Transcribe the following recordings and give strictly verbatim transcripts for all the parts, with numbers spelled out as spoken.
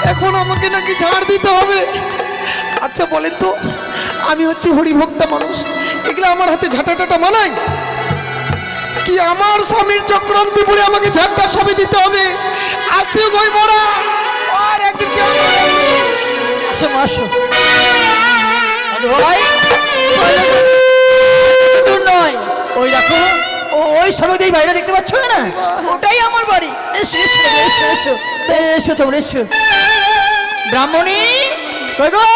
এখন আমাকে নাকি ছাড় দিতে হবে। আচ্ছা বলেন তো, আমি হচ্ছে হরিভক্তা মানুষ, এগুলো আমার হাতে ঝাঁটাটাটা মানায় কি? আমার স্বামীর চক্রান্তি পড়ে আমাকে ঝাঁটা সবে দিতে হবে? আসো গই মরা, আর একদিন কি আসো আসো ভাই, দূর নয়, ওই দেখো ওই সময় এই বাড়িটা দেখতে পাচ্ছ না, ওটাই আমার বাড়ি। এসো এসো এসো এসো এসো তোমরা এসো। ব্রাহ্মণী কই গো,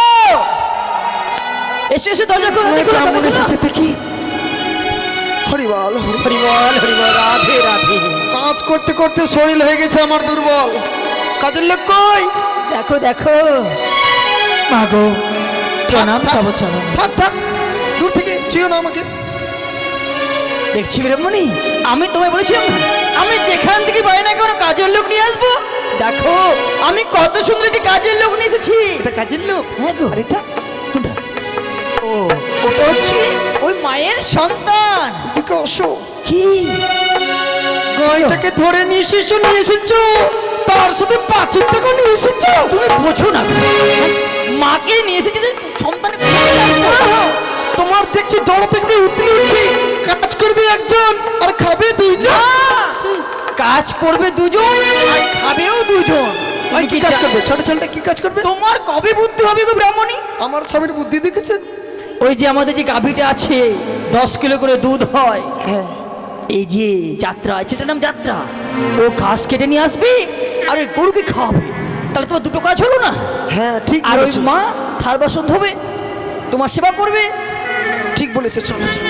এসো এসো, দরজা খুলো। ব্রাহ্মণ এসেছে দেখি। হরিবল হরিবল হরিবল, রাধে রাধে। কাজ করতে করতে শরীর হয়ে গেছে আমার দুর্বল। কাজের লোক কই? দেখো দেখো মা গো, প্রণাম তব চরণে। থাক থাক, দূর থেকে ছুঁয়ো না আমাকে। দেখছি ব্রাহ্মণী, আমি তোমায় বলেছিলাম না, আমি যেখান থেকে পাই না কোনো কাজের লোক নিয়ে আসবো। দেখো আমি কত সুন্দর একটি কাজের লোক নিয়ে এসেছি। এটা কাজের লোক? হ্যাঁ গো। আর এটা কোনটা? ও ওটা হচ্ছে ওই মায়ের সন্তান। দিকে অসো। কি গাইটাকে ধরে নিয়ে এসেছো, নিয়ে এসেছো, তার সাথে পাঁচের টাকা নিয়ে এসেছো। তুমি বোঝো না গো, মাকে নিয়ে এসেছি যে সন্তানের তোমার দেখছি দড়া থেকে উঠতে উঠছি। কাজ করবে একজন আর খাবে দুইজন। কাজ করবে দুজন আর খাবেও দুজন। আর কি কাজ করবে? ছোট ছেলেটা কি কাজ করবে? তোমার কবে বুদ্ধি হবে গো ব্রাহ্মণী? আমার স্বামীর বুদ্ধি দেখেছেন? ওই যে আমাদের যে গাভীটা আছে, দশ কিলো করে দুধ হয়, হ্যাঁ, এই যে যাত্রা, সেটার নাম যাত্রা। ও ঘাস কেটে নিয়ে আসবে আর ওই গরুকে খাওয়াবে, তাহলে তোমার দুটো কাজ হলো না? হ্যাঁ ঠিক আর ওই বলেছো। মা থাল বাসন ধোবে, তোমার সেবা করবে। ঠিক বলেছো, চলো চলো।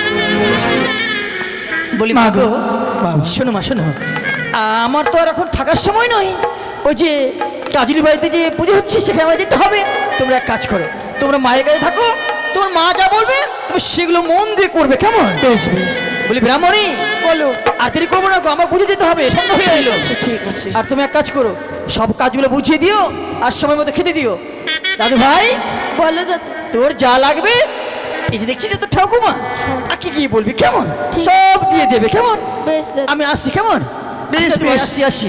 বলি মা গো, শোনো মা শোনো, আমার তো আর এখন থাকার সময় নয়। ওই যে কাজুরি বাড়িতে যে পুজো হচ্ছে সেখানে আমার যেতে হবে। তোমরা এক কাজ করো, তোমরা মায়ের কাছে থাকো, তোমার মা যা বলবে তুমি সেগুলো মন দিয়ে করবে, কেমন? বেশ বেশ। বলি ব্রাহ্মণী বলো। আর দেরি করবো না গো, আমার পুজো যেতে হবে, সন্ধ্যা হয়ে এলো। আচ্ছা ঠিক আছে। আর তুমি এক কাজ করো, সব কাজগুলো বুঝিয়ে দিও আর সময় মতো খেতে দিও। দাদু ভাই বলো দাদু। তোর যা লাগবে, এই যে দেখছিস তো ঠাকুমা, আর কি কি বলবি, কেমন? ঠিক। সব দিয়ে দেবে, কেমন? বেশ দাদু। আমি আসছি, কেমন? বেশ, আচ্ছা, তুমি বেশ। আসছি আসছি।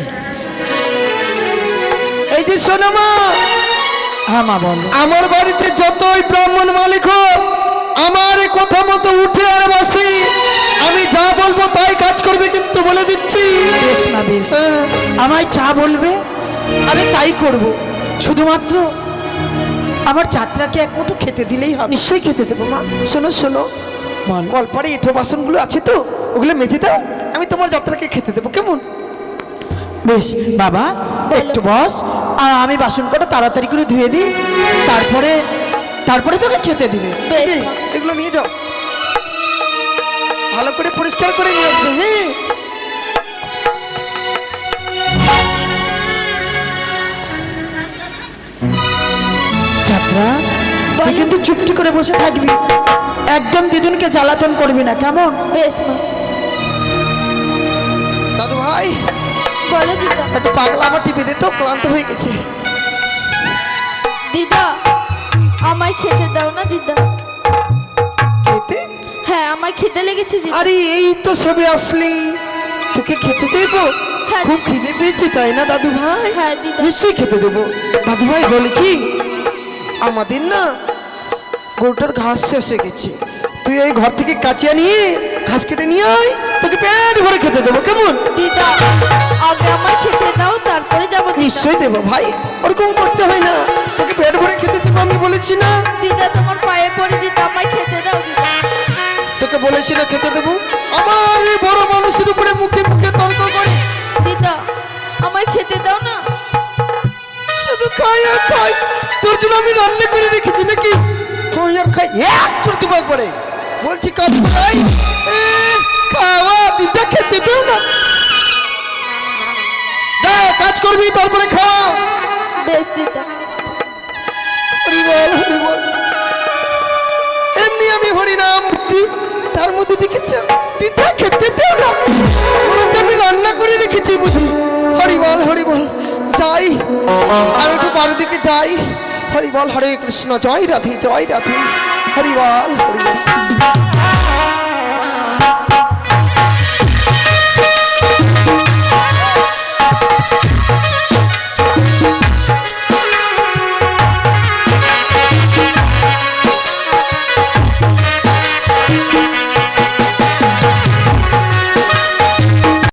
এই যে শোনো মা, হ্যাঁ মা বলো। আমার বাড়িতে যতই ব্রাহ্মণ মালিক হোক, আমার এই কথা মতো উঠে আর বসি, আমি যা বলবো তাই কাজ করবে, কিন্তু বলে দিচ্ছি। বেশ মা বেশ, হ্যাঁ, আমায় চা বলবে আমি তাই করব, শুধুমাত্র আমার যাত্রাকে এক মুঠো খেতে দিলেই হবে। নিশ্চয়ই খেতে দেবো মা। শোনো শোনো, কলপাড়ে এঁঠো বাসনগুলো আছে তো, ওগুলো মেজে দাও, আমি তোমার যাত্রাকে খেতে দেবো, কেমন? বেশ বাবা, একটু বস, আর আমি বাসন কটা তাড়াতাড়ি করে ধুয়ে দিই, তারপরে তারপরে তোকে খেতে দিবে। এই যে, এগুলো নিয়ে যাও, ভালো করে পরিষ্কার করে নিয়ে আসবে। হ্যাঁ, যাত্রা, তুই কিন্তু চুপটি করে বসে থাকবি, একদম দিদুনকে জ্বালাতন করবি না, কেমন? বেশ মা। দাদু ভাই বলো দিদা। একটু পাগলা আমার টিপে দে তো, ক্লান্ত হয়ে গেছে। দিদা আমায় খেতে দাও না দিদা। খেতে? হ্যাঁ আমার খেতে লেগেছে দিদা। আরে এই তো সবে আসলি, তোকে খেতে দেবো? হ্যাঁ, খুব খিদে পেয়েছে তাই না দাদু ভাই? হ্যাঁ দিদা। নিশ্চয়ই খেতে দেবো। দাদু ভাই বলে কি, আমাদের না গরুটার ঘাস শেষ হয়ে গেছে, তুই এই ঘর থেকে কাচিয়া নিয়ে ঘাস কেটে নিয়ে আয়, তোকে পেট ভরে খেতে দেবো, কেমন? দিদা আগে আমায় খেতে দাও, তারপরে যাবো দিদা। নিশ্চয়ই দেবো ভাই, ওরকম করতে হয় না, তোকে পেট ভরে খেতে দেবো, আমি বলেছি না? দিদা তোমার পায়ে পড়ে দিদা, আমায় খেতে দাও দিদা। তোকে বলেছি না খেতে দেবো? আমার এই বড় মানুষের উপরে মুখে মুখে তর্ক করে। দিদা আমায় খেতে দাও না। শুধু খাই আর খাই, তোর জন্য আমি রান্না করে রেখেছি নাকি? খাই আর খাই, এক চোর দিব একবারে। বলছি কাজ করাই, এ, খাওয়া দিদা, খেতে দেও না। দে, কাজ করবি তারপরে খাওয়া। বেশ দিদা। হরি বল, হরি বল। এমনি আমি হরি নাম বুঝছি, তার মধ্যে দেখেছ দিদা খেতে দেও না, মনে হচ্ছে আমি রান্না করে রেখেছি বুঝি। হরি বল, হরি বল। যাই আর একটু বাড়ির দিকে যাই। হরি বল, হরে কৃষ্ণ, জয় রাধে, জয় রাধে। হরি বল, হরি বল।